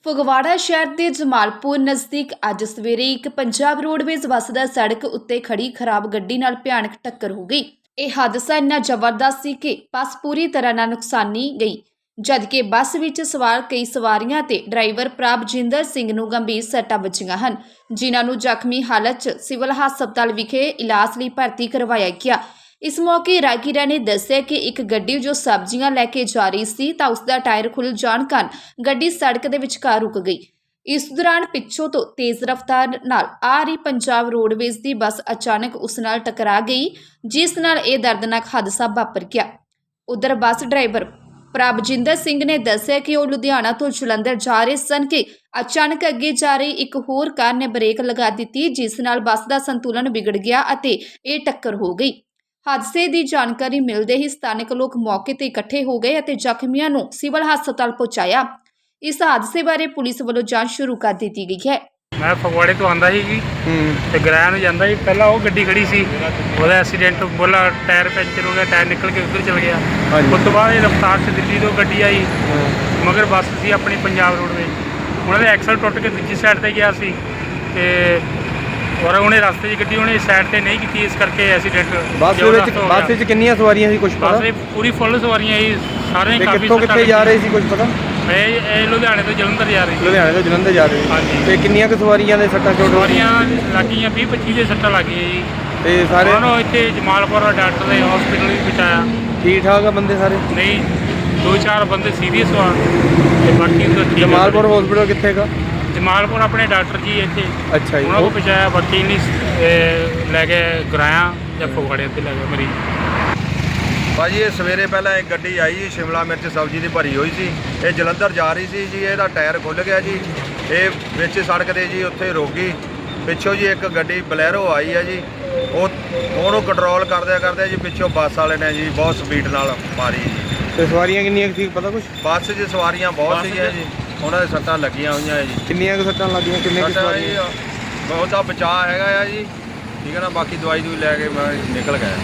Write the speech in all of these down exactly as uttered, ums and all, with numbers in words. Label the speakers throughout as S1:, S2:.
S1: ਫਗਵਾੜਾ ਸ਼ਹਿਰ ਦੇ ਜਮਾਲਪੁਰ ਨਜ਼ਦੀਕ ਅੱਜ ਸਵੇਰੇ ਇੱਕ ਪੰਜਾਬ ਰੋਡਵੇਜ਼ ਬੱਸ ਦਾ ਸੜਕ ਉੱਤੇ ਖੜੀ ਖਰਾਬ ਗੱਡੀ ਨਾਲ ਭਿਆਨਕ ਟੱਕਰ ਹੋ ਗਈ। ਇਹ ਹਾਦਸਾ ਇੰਨਾ ਜ਼ਬਰਦਸਤ ਸੀ ਕਿ ਬੱਸ ਪੂਰੀ ਤਰ੍ਹਾਂ ਨਾਲ ਨੁਕਸਾਨੀ ਗਈ, ਜਦਕਿ ਬੱਸ ਵਿੱਚ ਸਵਾਰ ਕਈ ਸਵਾਰੀਆਂ ਤੇ ਡਰਾਈਵਰ ਪ੍ਰਭਜਿੰਦਰ ਸਿੰਘ ਨੂੰ ਗੰਭੀਰ ਸੱਟਾਂ ਵੱਜੀਆਂ ਹਨ, ਜਿਨ੍ਹਾਂ ਨੂੰ ਜ਼ਖਮੀ ਹਾਲਤ 'ਚ ਸਿਵਲ ਹਸਪਤਾਲ ਵਿਖੇ ਇਲਾਜ ਲਈ ਭਰਤੀ ਕਰਵਾਇਆ ਗਿਆ। इस मौके राहगीरा ने दस्सिया कि एक गड्डी जो सब्जियां लैके जा रही सी तां उसदा टायर खुल जाण कारण गड्डी सड़क दे विचकार रुक गई। इस दौरान पिछों तो तेज रफ्तार नाल आ रही पंजाब रोडवेज दी बस अचानक उस नाल टकरा गई, जिस नाल यह दर्दनाक हादसा वापर गया। उधर बस ड्राइवर प्रभजिंदर सिंह ने दस्सिया कि वह लुधियाना तो जलंधर जा रहे सन कि अचानक अगे जा रही एक होर कार ने ब्रेक लगा दी, जिस नाल बस का संतुलन बिगड़ गया अते यह टक्कर हो गई। हादसे की जानकारी मिलते ही स्थानिक लोग मौके पर इकट्ठे हो गए और जख्मियों को सिविल हस्पताल पहुंचाया। इस हादसे बारे पुलिस वालों जांच शुरू कर दी गई है।
S2: मैं फगवाड़े तो आंदा ही जी ते गराया नूं जांदा ही, पहला वो गड्डी खड़ी सी, ओहदा एक्सीडेंट बोला टायर पंचर हो गया, टायर निकल के उधर चल गया। उस तो बाद रफ्तार से दिल्ली तो गड्डी आई मगर बस सी अपनी पंजाब रोडवेज, उन्होंने एक्सल टुट के दूजी साइड पर गया सी ते और उन्हें रास्ते की गड्डी उन्हें साइड पे नहीं की, इस करके एक्सीडेंट।
S3: बस बस च कितनी सवारियां सी कुछ पता?
S2: बस पूरी फुल सवारियां ही, सारे काफी
S3: कित्थों कित्थे जा रहे सी कुछ पता?
S2: मैं लुधियाने तो जलंधर जा रही।
S3: लुधियाने तो जलंधर जा रहे
S2: हाँ जी।
S3: ते कितनियां क सवारियां दे सट्टां चोट
S2: सवारियां लग गई बीस पच्चीस दे सट्टां लग गई जी।
S3: ते सारे
S2: उन्होंने इत्थे जमालपुर डॉक्टर दे हॉस्पिटल भी पहुंचाया।
S3: ठीक ठाक आ बंदे सारे?
S2: नहीं, दो चार बंदे सीरियस हुआ ते बाकी तो ठीक।
S3: जमालपुर हॉस्पिटल कित्थे का?
S2: जमालपुर अपने डॉक्टर जी इत्थे
S3: अच्छा जी,
S2: उन्होंने को पहुंचाया, बाकी नहीं लैके गराया या फगवाड़े ते लैके मरीज।
S4: भाजी ये सवेरे पहला एक गड्डी आई जी, शिमला मिर्च सब्जी की भरी हुई सी, ये जलंधर जा रही सी जी। ਇਹਦਾ टायर खुल गया जी, ये ਵਿੱਚ सड़क ਦੇ ਜੀ ਉੱਥੇ ਰੁਕ ਗਈ। ਪਿੱਛੋਂ ਜੀ ਇੱਕ ਗੱਡੀ ਬਲੈਰੋ ਆਈ ਹੈ ਜੀ, ਉਹ ਉਹਨੂੰ ਕੰਟਰੋਲ ਕਰਦਿਆਂ ਕਰਦਿਆਂ ਜੀ ਪਿੱਛੋਂ ਬੱਸ ਵਾਲੇ ਨੇ ਜੀ ਬਹੁਤ ਸਪੀਡ ਨਾਲ ਮਾਰੀ ਜੀ।
S3: ਤੇ ਸਵਾਰੀਆਂ ਕਿੰਨੀਆਂ ਸੀ ਪਤਾ ਕੁਛ?
S4: ਬੱਸ 'ਚ ਸਵਾਰੀਆਂ ਬਹੁਤ ਸੀਗੀਆਂ ਜੀ, ਉਹਨਾਂ ਦੇ ਸੱਟਾਂ ਲੱਗੀਆਂ ਹੋਈਆਂ ਜੀ।
S3: ਕਿੰਨੀਆਂ ਕੁ ਸੱਟਾਂ ਲੱਗੀਆਂ, ਕਿੰਨੇ ਕੁ ਸਵਾਰੀਆਂ?
S4: ਬਹੁਤ ਦਾ ਬਚਾਅ ਹੈਗਾ ਆ ਜੀ, ਠੀਕ ਹੈ ਨਾ। ਬਾਕੀ ਦਵਾਈ ਦੂਈ ਲੈ ਕੇ ਮੈਂ ਨਿਕਲ ਗਿਆ।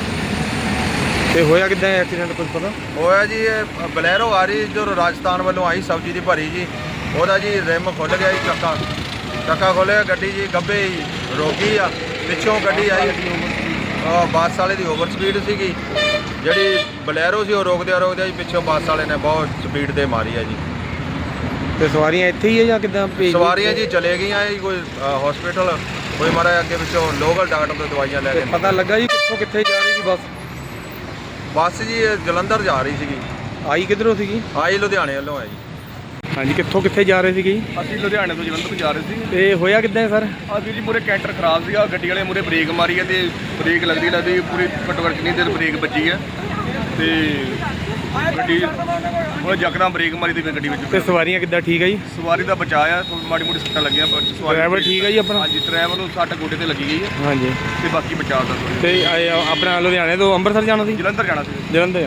S3: ਤੇ ਹੋਇਆ ਕਿੱਦਾਂ ਐਕਸੀਡੈਂਟ ਕੁਝ ਪਤਾ?
S4: ਹੋਇਆ ਜੀ ਇਹ ਬਲੈਰੋ ਆ ਰਹੀ ਜੋ ਰਾਜਸਥਾਨ ਵੱਲੋਂ ਆਈ ਸਬਜ਼ੀ ਦੀ ਭਰੀ ਜੀ, ਉਹਦਾ ਜੀ ਰਿਮ ਖੁੱਲ੍ਹ ਗਿਆ ਜੀ, ਚੱਕਾ ਚੱਕਾ ਖੋਲ੍ਹਿਆ, ਗੱਡੀ ਜੀ ਗੱਭੇ ਹੀ ਰੁਕ ਗਈ ਆ। ਪਿੱਛੋਂ ਗੱਡੀ ਆਈ ਬੱਸ ਵਾਲੇ ਦੀ ਓਵਰ ਸਪੀਡ ਸੀਗੀ, ਜਿਹੜੀ ਬਲੈਰੋ ਸੀ ਉਹ ਰੋਕਦਿਆਂ ਰੋਕਦਿਆਂ ਜੀ ਪਿੱਛੋਂ ਬੱਸ ਵਾਲੇ ਨੇ ਬਹੁਤ ਸਪੀਡ ਤੇ ਮਾਰੀ ਆ ਜੀ।
S3: ਤੇ ਸਵਾਰੀਆਂ ਇੱਥੇ ਹੀ ਹੈ ਜਾਂ ਕਿੱਦਾਂ ਭੇਜ?
S4: ਸਵਾਰੀਆਂ ਜੀ ਚਲੇ ਗਈਆਂ ਜੀ, ਕੋਈ ਹਸਪੀਟਲ, ਕੋਈ ਮਾਰਾ ਅੱਗੇ ਪਿੱਛੋਂ ਲੋਕਲ ਡਾਕਟਰ ਤੋਂ ਦਵਾਈਆਂ ਲੈ ਕੇ।
S3: ਪਤਾ ਲੱਗਾ ਜੀ ਕਿੱਥੋਂ ਕਿੱਥੇ ਜਾ ਰਹੀ ਸੀ ਬੱਸ?
S4: ਬੱਸ ਜੀ ਜਲੰਧਰ ਜਾ ਰਹੀ ਸੀਗੀ।
S3: ਆਈ ਕਿੱਧਰੋਂ ਸੀਗੀ?
S4: ਆਈ ਲੁਧਿਆਣੇ ਵੱਲੋਂ ਹੈ ਜੀ।
S3: ਹਾਂਜੀ, ਕਿੱਥੋਂ ਕਿੱਥੇ ਜਾ ਰਹੇ ਸੀਗੇ?
S5: ਅਸੀਂ ਲੁਧਿਆਣੇ ਤੋਂ ਜਲੰਧਰ ਜਾ ਰਹੇ ਸੀ।
S3: ਤੇ ਹੋਇਆ ਕਿੱਦਾਂ ਸਰ?
S5: ਆ ਵੀਰ ਜੀ ਮੂਰੇ ਕੈਂਟਰ ਖਰਾਬ ਸੀਗਾ, ਗੱਡੀ ਵਾਲੇ ਮੂਰੇ ਬ੍ਰੇਕ ਮਾਰੀ ਹੈ ਤੇ ਬ੍ਰੇਕ ਲੱਗਦੀ ਲੱਗਦੀ ਪੂਰੀ ਘੱਟੋ ਘੱਟ ਕਿੰਨੀ ਦੇਰ ਬ੍ਰੇਕ ਵੱਜੀ ਹੈ ਤੇ ਗੱਡੀ ਉਹ ਯਕਦਮ ਬ੍ਰੇਕ ਮਾਰੀ ਤੇ ਫਿਰ ਗੱਡੀ ਵਿੱਚ।
S3: ਤੇ ਸਵਾਰੀਆਂ ਕਿੱਦਾਂ ਠੀਕ ਹੈ ਜੀ?
S5: ਸਵਾਰੀ ਦਾ ਬਚਾਅ ਆ, ਮਾੜੀ ਮੋਟੀ ਸੱਟਾਂ ਲੱਗੀਆਂ ਪਰ ਸਵਾਰੀ
S3: ਡਰਾਈਵਰ ਠੀਕ ਹੈ ਜੀ ਆਪਣਾ?
S5: ਹਾਂਜੀ, ਡਰਾਈਵਰ ਨੂੰ ਸੱਟ ਗੋਡੇ ਤੇ ਲੱਗੀ ਗਈ ਹੈ
S3: ਹਾਂਜੀ,
S5: ਤੇ ਬਾਕੀ ਬਚਾਅ ਦਾ।
S3: ਤੇ ਆਪਣਾ ਲੁਧਿਆਣੇ ਤੋਂ ਅੰਮ੍ਰਿਤਸਰ ਜਾਣਾ ਸੀ?
S5: ਜਲੰਧਰ ਜਾਣਾ ਸੀ।
S3: ਜਲੰਧਰ ਆ।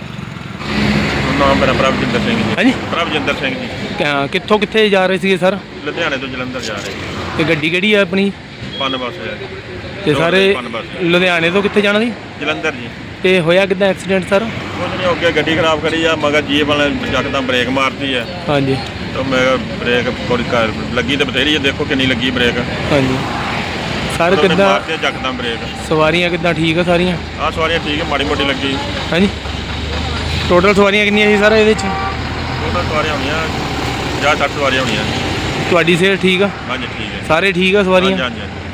S6: ਨਾਮ ਮੇਰਾ ਪ੍ਰਭਜਿੰਦਰ ਸਿੰਘ ਜੀ।
S3: ਹਾਂਜੀ,
S6: ਪ੍ਰਭਜਿੰਦਰ ਸਿੰਘ ਜੀ।
S3: ਕ- ਕਿੱਥੋਂ ਕਿੱਥੇ ਜਾ ਰਹੇ ਸੀਗੇ ਸਰ?
S6: ਲੁਧਿਆਣੇ ਤੋਂ ਜਲੰਧਰ ਜਾ ਰਹੇ
S3: ਤੇ ਗੱਡੀ ਕਿਹੜੀ ਆ ਆਪਣੀ?
S6: ਪਨ ਬੱਸ ਹੈ।
S3: ਤੇ ਸਾਰੇ
S6: ਪਨ ਬੱਸ
S3: ਲੁਧਿਆਣੇ ਤੋਂ ਕਿੱਥੇ ਜਾਣਾ ਸੀ?
S6: ਜਲੰਧਰ ਜੀ।
S3: ਤੇ ਹੋਇਆ ਕਿੱਦਾਂ ਐਕਸੀਡੈਂਟ ਸਰ?
S6: ਕੁਝ ਨਹੀਂ, ਅੱਗੇ ਗੱਡੀ ਖਰਾਬ ਕਰੀ ਆ, ਮਗਰ ਜੀਪ ਵਾਲੇ ਯਕਦਮ ਬ੍ਰੇਕ ਮਾਰਤੀ ਹੈ।
S3: ਹਾਂਜੀ
S6: ਤਾਂ ਮੈਂ ਬ੍ਰੇਕ ਥੋੜੀ ਕਰ ਲੱਗੀ ਤੇ ਬਥੇਰੀ ਹੈ, ਦੇਖੋ ਕਿੰਨੀ ਲੱਗੀ ਬ੍ਰੇਕ।
S3: ਹਾਂਜੀ ਸਰ,
S6: ਉਹਨੇ
S3: ਕਿੱਦਾਂ
S6: ਮਾਰਤੀ ਹੈ ਯਕਦਮ ਬ੍ਰੇਕ।
S3: ਸਵਾਰੀਆਂ ਕਿੱਦਾਂ ਠੀਕ ਆ ਸਾਰੀਆਂ?
S6: ਆਹ ਸਵਾਰੀਆਂ ਠੀਕ ਹੈ, ਮਾੜੀ ਮੋਟੀ ਲੱਗੀ।
S3: ਹਾਂਜੀ, ਟੋਟਲ ਸਵਾਰੀਆਂ ਕਿੰਨੀਆਂ ਸੀ ਸਰ ਇਹਦੇ 'ਚ?
S6: ਉਹਨਾਂ ਸਵਾਰੀਆਂ ਹੋਣੀਆਂ ਪੰਜਾਹ ਸੱਠ ਸਵਾਰੀਆਂ ਹੋਣੀਆਂ।
S3: ਤੁਹਾਡੀ ਸਿਹਤ ਠੀਕ ਆ?
S6: ਹਾਂਜੀ ਠੀਕ ਹੈ,
S3: ਸਾਰੇ ਠੀਕ ਆ ਸਵਾਰੀਆਂ?
S6: ਹਾਂਜੀ ਹਾਂਜੀ।